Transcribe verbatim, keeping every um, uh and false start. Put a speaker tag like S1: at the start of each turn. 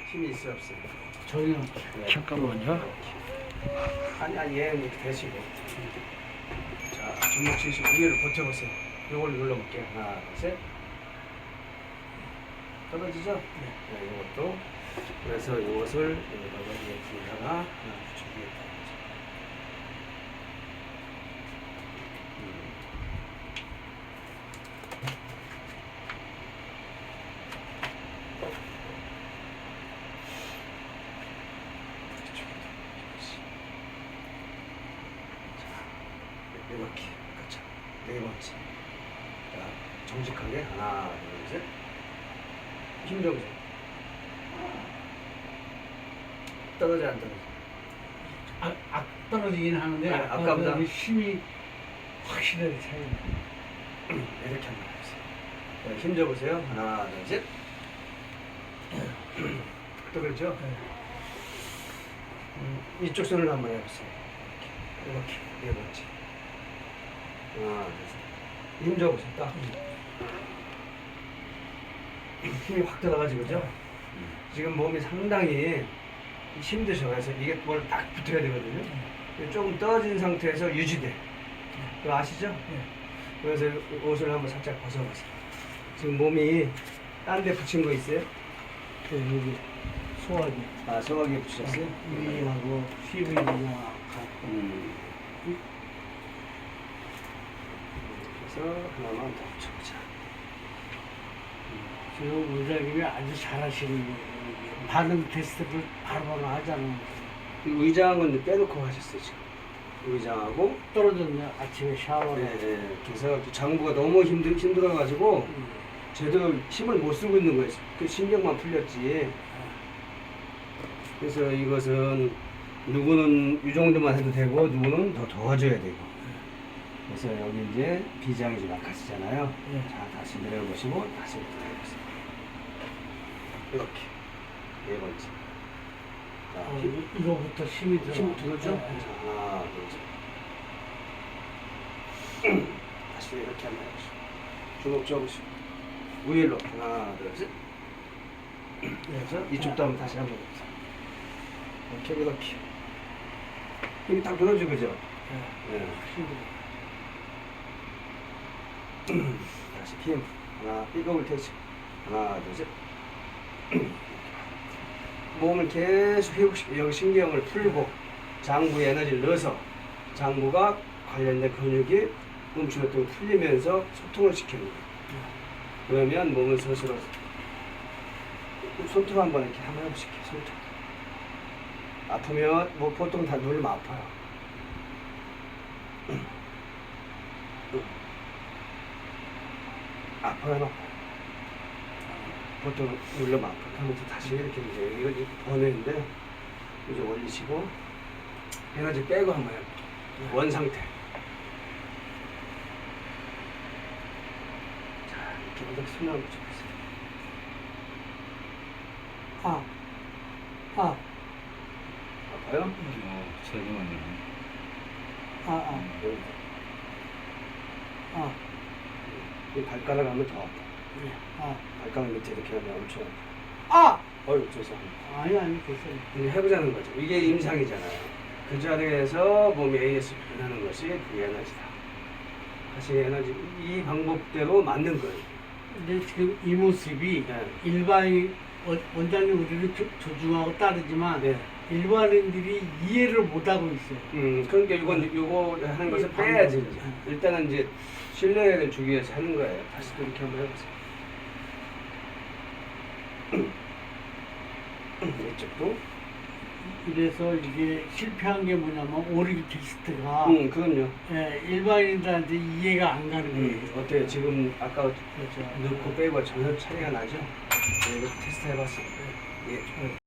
S1: 힘이 있어 없어요?
S2: 전혀.
S1: 네.
S3: 잠깐만요.
S1: 아니 아니 얘는 이렇게 되시고. 자 주먹 치시고 위를 버텨보세요. 이걸 눌러볼게요. 하나 둘 셋. 떨어지죠? 네. 네 이것도. 그래서 이것을 여기다가 이렇게 하나 하나 붙여주겠다. 이렇게 그렇죠. 네 번째. 자 정직하게 하나 둘 셋. 힘 줘보세요. 떨어져 안 떨어져?
S2: 아, 아 떨어지긴 하는데
S1: 네,
S2: 아까보다
S1: 아까보다.
S2: 힘이 확실하게 차이.
S1: 이렇게 한번 해보세요. 자, 힘 줘보세요. 하나 둘 셋. 또 그렇죠?
S2: 네.
S1: 음, 이쪽 손을 한번 해보세요. 이렇게 이렇게 네 번째. 하나 둘 셋. 힘 줘보세요. 딱. 힘이 확 들어가지 그죠? 지금 몸이 상당히 힘드셔. 그래서 이게 뭘 딱 붙어야 되거든요. 조금 떨어진 상태에서 유지돼. 그거 아시죠?
S2: 네.
S1: 그래서 옷을 한번 살짝 벗어보세요. 지금 몸이 딴 데 붙인 거 있어요?
S2: 그 여기 소화기
S1: 아, 소화기에 붙이셨어요?
S2: 위하고 십일이나 갖고
S1: 음. 그래서 하나만 더 붙여보자.
S2: 지금 의장님이 아주 잘하시는 거예요. 반응 테스트를 바로바로 하잖아요.
S1: 이 의장은 빼놓고 하셨어요, 지금. 의장하고.
S2: 떨어졌네 아침에 샤워를.
S1: 네, 네. 그래서 장부가 너무 힘들, 힘들어가지고
S2: 음.
S1: 제대로 힘을 못 쓰고 있는 거예요. 그 신경만 풀렸지. 그래서 이것은 누구는 이 정도만 해도 되고 누구는 더 도와줘야 되고. 그래서 여기 이제 비장이 좀 약하시잖아요.
S2: 네.
S1: 자 다시 내려보시고 다시 해보세요. 이렇게 네 번째. 자,
S2: 어,
S1: 힘,
S2: 이- 이거부터 힘이 들어.
S1: 힘 들어죠?
S2: 네.
S1: 자, 하나 둘 셋. 다시 이렇게 한번 해보시고 주먹 쥐어보시고 우일로 하나 둘 셋. 그래서 이쪽도 한번 다시 한번 해보세요. 이렇게 이렇게 힘이 딱 들어죠, 그죠?
S2: 네.
S1: 네.
S2: 힘들어.
S1: 다시 힘 하나 삐걱을 대시 하나 둘 셋. 몸을 계속 회복시켜 여기 신경을 풀고 장부에 에너지를 넣어서 장부가 관련된 근육이 멈추었던 풀리면서 소통을 시키는 거예요. 그러면 몸은 스스로 손톱 한번 이렇게 한번 해보실게요. 손톱 아프면 뭐 보통 다 누르면 아파요. 아파요, 안 아파요? 보통 눌러면 아파요. 하면서 다시 이렇게 이제 이걸 이렇게 보내는데 이제 올리시고 에너지 빼고 한번 해볼게요. 원 상태. 자, 이렇게 이렇게 손을 한번 붙여보세요.
S2: 아, 아,
S1: 아파요?
S3: 어, 세금만요.
S2: 아, 아,
S1: 여기.
S2: 아,
S1: 이 발가락 하면 더 아파.
S2: 네. 아,
S1: 발가락 밑에 이렇게 하면 엄청
S2: 아,
S1: 아파. 어휴, 죄송합니다.
S2: 아니 아니 됐어요.
S1: 이제 해보자는 거죠. 이게 임상이잖아요. 그 자리에서 몸이 에이에스 변하는 것이 그게 에너지다. 다시 에너지, 이 방법대로 만든 거예요.
S2: 근데 지금 이 모습이
S1: 네.
S2: 일반인 원- 원장님 우리를 조- 존중하고 따르지만
S1: 네.
S2: 일반인들이 이해를 못하고 있어요.
S1: 음, 그러니까 이건, 이거 하는 것을
S2: 이
S1: 빼야지.
S2: 방법.
S1: 이제. 일단은 이제 신뢰를 주기 위해서 하는 거예요. 다시 또 이렇게 한번 해보세요. 이쪽도.
S2: 그래서 이게 실패한 게 뭐냐면 오리기 테스트가
S1: 음, 그럼요.
S2: 예, 일반인들한테 이해가 안 가는 거예요.
S1: 음, 어때요? 지금 아까
S2: 그렇죠.
S1: 넣고 빼고 전혀 차이가 나죠? 네, 이거 테스트 해봤어요. 예.